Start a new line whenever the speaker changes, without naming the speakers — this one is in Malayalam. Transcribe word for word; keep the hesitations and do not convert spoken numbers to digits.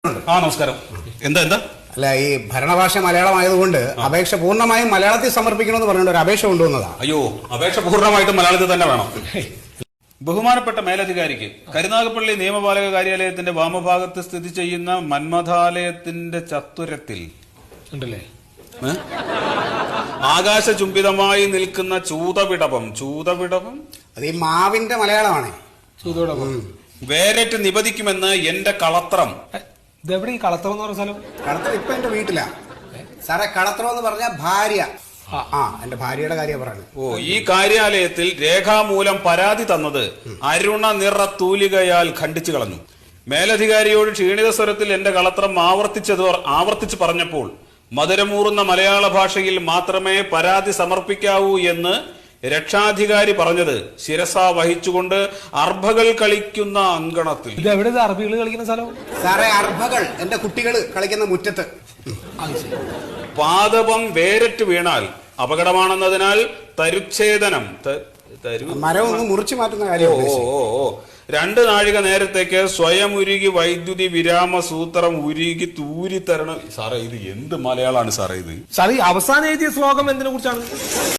ആ നമസ്കാരം. എന്താ എന്താ
അല്ല, ഈ ഭരണഭാഷ മലയാളമായതുകൊണ്ട് അപേക്ഷ പൂർണ്ണമായും മലയാളത്തിൽ സമർപ്പിക്കണമെന്ന് പറഞ്ഞുകൊണ്ട് ഒരു അപേക്ഷ കൊണ്ടുവന്നതാ.
അയ്യോ, അപേക്ഷ പൂർണ്ണമായിട്ടും മലയാളത്തിൽ തന്നെ വേണം. ബഹുമാനപ്പെട്ട മേലധികാരിക്ക് കരുനാഗപ്പള്ളി നിയമപാലക കാര്യാലയത്തിന്റെ വാമഭാഗത്ത് സ്ഥിതി ചെയ്യുന്ന മന്മഥാലയത്തിന്റെ ചത്തുരത്തിൽ
ഉണ്ടല്ലേ
ആകാശചുംബിതമായി നിൽക്കുന്ന ചൂതവിടവം ചൂതവിടവം
അത് ഈ മാവിന്റെ മലയാളമാണ്.
ചൂതോടൊപ്പം
വേരറ്റ് നിപതിക്കുമെന്ന് എന്റെ കളത്രം.
ഇതെവിടെ ഈ കളത്തറ എന്ന് പറഞ്ഞ സ്ഥലം?
കളത്തറ ഇപ്പൊ എന്റെ വീട്ടിലാ സാറേ. കളത്തറ എന്ന് പറഞ്ഞ ഭാര്യ. ആ എന്റെ ഭാര്യയുടെ കാര്യം പറയുന്നത്.
ഓ, ഈ കാര്യാലയത്തിൽ രേഖാമൂലം പരാതി തന്നത് അരുണ നിറ തൂലികയാൽ ഖണ്ഡിച്ചു കളഞ്ഞു. മേലധികാരിയോട് ക്ഷീണിത സ്വരത്തിൽ എന്റെ കളത്രം ആവർത്തിച്ചത് ആവർത്തിച്ച് പറഞ്ഞപ്പോൾ മധുരമൂറുന്ന മലയാള ഭാഷയിൽ മാത്രമേ പരാതി സമർപ്പിക്കാവൂ എന്ന് രക്ഷാധികാരി പറഞ്ഞത് ശിരസ വഹിച്ചുകൊണ്ട് അർഭകൾ കളിക്കുന്ന അങ്കണത്തിൽ.
ഇത് എവിടെ അറബികൾ കളിക്കുന്ന സ്ഥലം?
സാറേ, അർഭകൾ എന്റെ കുട്ടികൾ കളിക്കുന്ന മുറ്റത്ത്.
പാദപം വേരറ്റ് വീണാൽ അപകടമാണെന്നതിനാൽ തരുച്ഛേദനം
മരം ഒന്ന് മുറിച്ചു മാറ്റുന്ന കാര്യം.
ഓ ഓ ഓ രണ്ട് നാഴിക നേരത്തേക്ക് സ്വയം ഉരുകി വൈദ്യുതി വിരാമ സൂത്രം ഉരുകി തൂരി തരണം. സാറേ, ഇത് എന്ത് മലയാളമാണ് സാറേ ഇത്?
സാർ, ഈ അവസാനം എഴുതിയ ശ്ലോകം എന്തിനെ കുറിച്ചാണ്?